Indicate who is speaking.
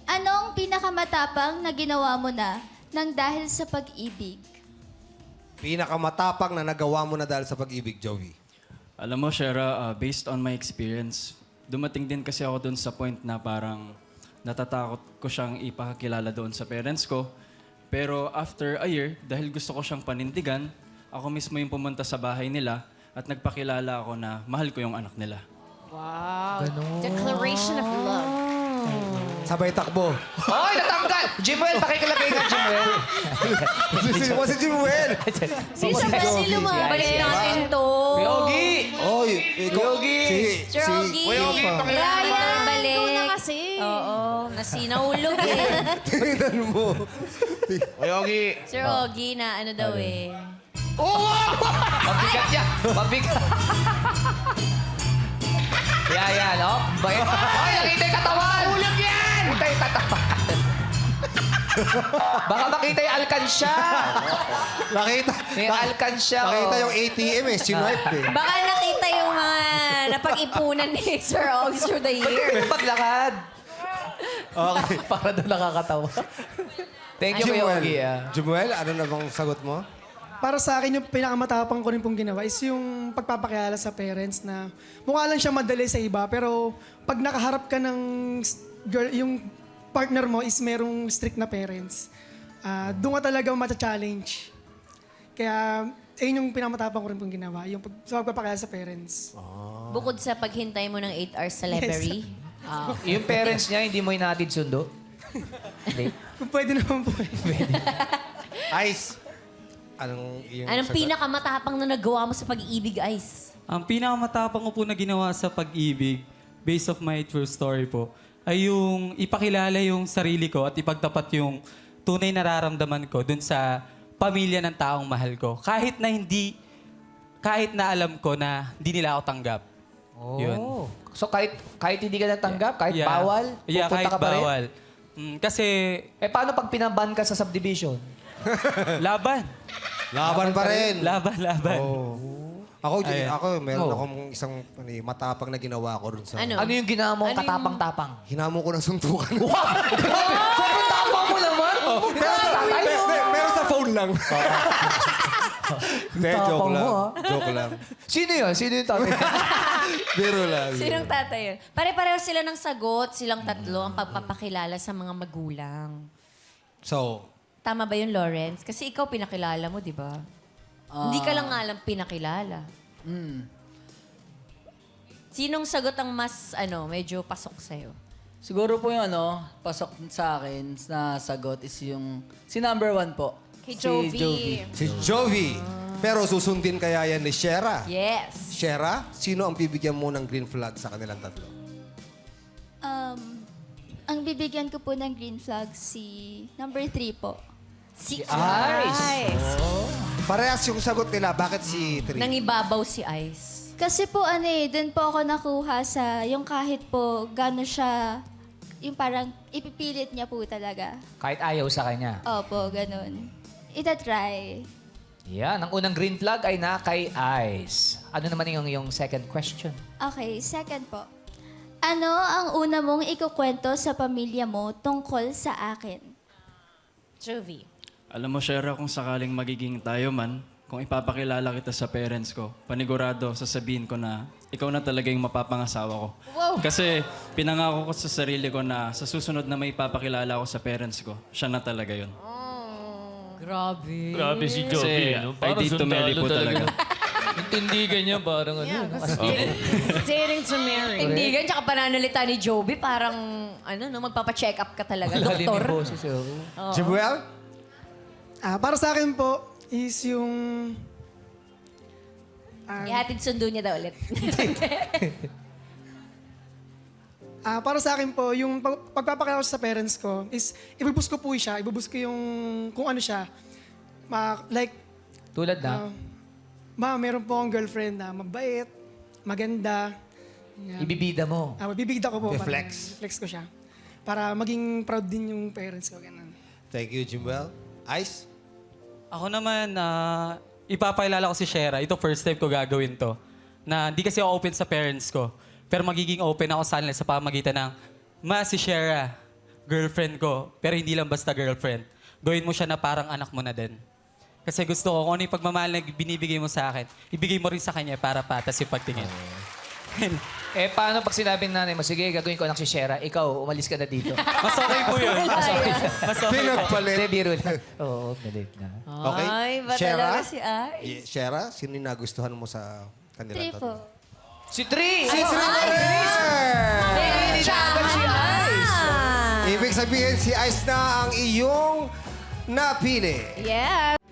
Speaker 1: Anong pinakamatapang na ginawa mo na nang dahil sa pag-ibig?
Speaker 2: Pinakamatapang na nagawa mo na dahil sa pag-ibig, Joey.
Speaker 3: Alam mo, Shera, based on my experience, dumating din kasi ako doon sa point na parang natatakot ko siyang ipakakilala doon sa parents ko. Pero after a year, dahil gusto ko siyang panindigan, ako mismo yung pumunta sa bahay nila at nagpakilala ako na mahal ko yung anak nila.
Speaker 4: Wow. Declaration of love.
Speaker 2: Sabay takbo.
Speaker 5: Hoy, natanggal! Jimuel, pakikilagay nga, Jimuel.
Speaker 2: si Jimuel.
Speaker 4: Bisa ba si lumabalik? Balik natin to.
Speaker 5: Yogi!
Speaker 2: Oy, ikaw.
Speaker 5: Yogi!
Speaker 4: Sir Ogie.
Speaker 5: Yogi, pakilala.
Speaker 4: Ryan, balik.
Speaker 6: Ikaw na kasi.
Speaker 4: Oo, nasinahulog eh.
Speaker 2: Tingnan mo.
Speaker 5: Yogi!
Speaker 4: Sir Ogie na ano daw eh.
Speaker 5: Mabigat yan. Mabigat. Yan, oh. Hoy, nakita yung katawan! Ulag yan! Nakita yung katawan. Baka makita yung alkansya.
Speaker 2: Nakita.
Speaker 5: May alkansya,
Speaker 2: Nakita
Speaker 5: oh.
Speaker 2: yung ATM eh. Sinipe eh.
Speaker 4: Baka nakita yung mga napag-ipunan ni Sir Ogie through the years.
Speaker 5: Paglakad.
Speaker 2: Okay.
Speaker 5: Para doon nakakatawa. Thank you, Yogi.
Speaker 2: Jimuel, ano na bang sagot mo?
Speaker 7: Para sa akin, yung pinakamatapang ko rin pong ginawa is yung pagpapakilala sa parents na mukha lang siya madali sa iba, pero pag nakaharap ka ng girl, yung partner mo is merong strict na parents, doon ka talaga mata-challenge. Kaya, ayun yung pinakamatapang ko rin pong ginawa, yung sa pagpapakilala sa parents.
Speaker 4: Bukod sa paghintay mo ng 8 hours sa library.
Speaker 5: Yung parents niya, hindi mo hinatid sundo? Hindi.
Speaker 7: Kung pwede naman po eh.
Speaker 2: Ice. Anong yung
Speaker 4: Anong
Speaker 2: sagot?
Speaker 4: pinakamatapang na nagawa mo sa pag-ibig, Ice?
Speaker 8: Ang pinakamatapang ko po na ginawa sa pag-ibig, based of my true story po, ay yung ipakilala yung sarili ko at ipagtapat yung tunay nararamdaman ko dun sa pamilya ng taong mahal ko. Kahit na alam ko na hindi nila ako tanggap. Yun.
Speaker 5: So kahit hindi ka natanggap, kahit
Speaker 8: Yeah.
Speaker 5: bawal,
Speaker 8: Yeah,
Speaker 5: pupunta
Speaker 8: kahit
Speaker 5: ka pa rin?
Speaker 8: bawal. Kasi
Speaker 5: Eh paano pag pinaban ka sa subdivision?
Speaker 8: laban.
Speaker 2: Laban pa rin.
Speaker 8: Laban.
Speaker 2: Ako,
Speaker 8: Ayan.
Speaker 2: meron
Speaker 5: Oh.
Speaker 2: akong isang matapang na ginawa ko rin sa...
Speaker 4: Ano?
Speaker 5: Ano yung ginawa mo
Speaker 4: Ano yung-
Speaker 5: katapang-tapang?
Speaker 2: Hinamo ko ng suntukan.
Speaker 5: Sobrang tapang mo naman!
Speaker 2: Pero sa phone lang. Hindi, joke
Speaker 5: Tapang
Speaker 2: lang.
Speaker 5: mo,
Speaker 2: Joke lang.
Speaker 5: Sino yun? Sino yung tatay?
Speaker 2: Biro lang.
Speaker 4: Sinong tatay yun? Pare-pareho sila ng sagot, silang tatlo, ang pagpapakilala sa mga magulang.
Speaker 2: So,
Speaker 4: Tama ba yun, Lawrence? Kasi ikaw pinakilala mo, di ba? Hindi ka lang nga alam pinakilala. Sinong sagot ang mas, medyo pasok sa'yo?
Speaker 6: Siguro po yung pasok sa akin na sagot is yung, si number 1 po.
Speaker 4: Kay
Speaker 6: Si
Speaker 4: Jovi.
Speaker 2: si Jovi. Pero susundin kaya yan ni Shera?
Speaker 4: Yes.
Speaker 2: Shera, sino ang bibigyan mo ng green flag sa kanilang tatlo?
Speaker 1: Ang bibigyan ko po ng green flag si number 3 po.
Speaker 4: Si
Speaker 5: Ice.
Speaker 2: Parehas yung sagot nila. Bakit si Tri?
Speaker 4: Nangibabaw si Ice.
Speaker 1: Kasi po dun po ako nakuha sa yung kahit po gano'n siya, yung parang ipipilit niya po talaga.
Speaker 5: Kahit ayaw sa kanya.
Speaker 1: Opo, ganun. Itatry.
Speaker 5: Yan. Ang unang green flag ay na kay Ice. Ano naman yung second question?
Speaker 1: Okay, second po. Ano ang una mong ikukwento sa pamilya mo tungkol sa akin?
Speaker 4: Jovi.
Speaker 3: Alam mo, Shera, kung sakaling magiging tayo man, kung ipapakilala kita sa parents ko, panigurado, sasabihin ko na ikaw na talaga yung mapapangasawa ko.
Speaker 4: Wow.
Speaker 3: Kasi pinangako ko sa sarili ko na sa susunod na may ipapakilala ko sa parents ko, siya na talaga yun.
Speaker 4: Grabe.
Speaker 9: Grabe si
Speaker 3: Kasi
Speaker 9: Jovi, no?
Speaker 3: I
Speaker 9: Parang
Speaker 3: did to marry
Speaker 9: sundalo
Speaker 3: po talaga.
Speaker 9: Yung tindigan niya, parang
Speaker 4: Dating to marry. Tindigan, tsaka pananalita ni Jovi, parang, magpapacheck up ka talaga,
Speaker 5: Lalim
Speaker 4: doktor.
Speaker 5: yung boses.
Speaker 2: Jimuel?
Speaker 7: Para sa akin po is yung...
Speaker 4: Ihatid sundo niya daw ulit.
Speaker 7: para sa akin po, yung pagpapakilala ko sa parents ko is ibubus ko po siya, ibubus ko yung kung ano siya.
Speaker 5: Tulad na,
Speaker 7: Meron po akong girlfriend na mabait, maganda. Yan.
Speaker 5: ibibida mo.
Speaker 7: Bibigda ko po.
Speaker 2: I-flex.
Speaker 7: Flex ko siya. Para maging proud din yung parents ko. Ganun.
Speaker 2: Thank you, Jimuel. Ice?
Speaker 8: Ako naman, ipapakilala ko si Shera. Ito first time ko gagawin to. Na hindi kasi ako open sa parents ko. Pero magiging open ako sa kanila sa pamagitan ng, Ma, si Shera. girlfriend ko, pero hindi lang basta girlfriend. Gawin mo siya na parang anak mo na din. Kasi gusto ko, kung ano yung pagmamahal na binibigay mo sa akin, ibigay mo rin sa kanya para patas yung pagtingin.
Speaker 5: Eh, paano pag sinabi ng nanay mo, sige, gagawin ko lang si Shera, ikaw, umalis ka na dito.
Speaker 8: Mas okay po yun. Mas okay. Mas okay.
Speaker 2: Pinagpalit.
Speaker 5: Hindi, biro lang. Oo, galit na.
Speaker 2: Okay?
Speaker 4: Ay, ba talaga si Ice?
Speaker 2: Shera, sino yung nagustuhan mo sa kanila?
Speaker 1: 3 po.
Speaker 5: Si Tri!
Speaker 2: Si Tri pa rin!
Speaker 5: Si Ice!
Speaker 2: Ibig sabihin, si Ice na ang iyong napili.
Speaker 1: Yeah.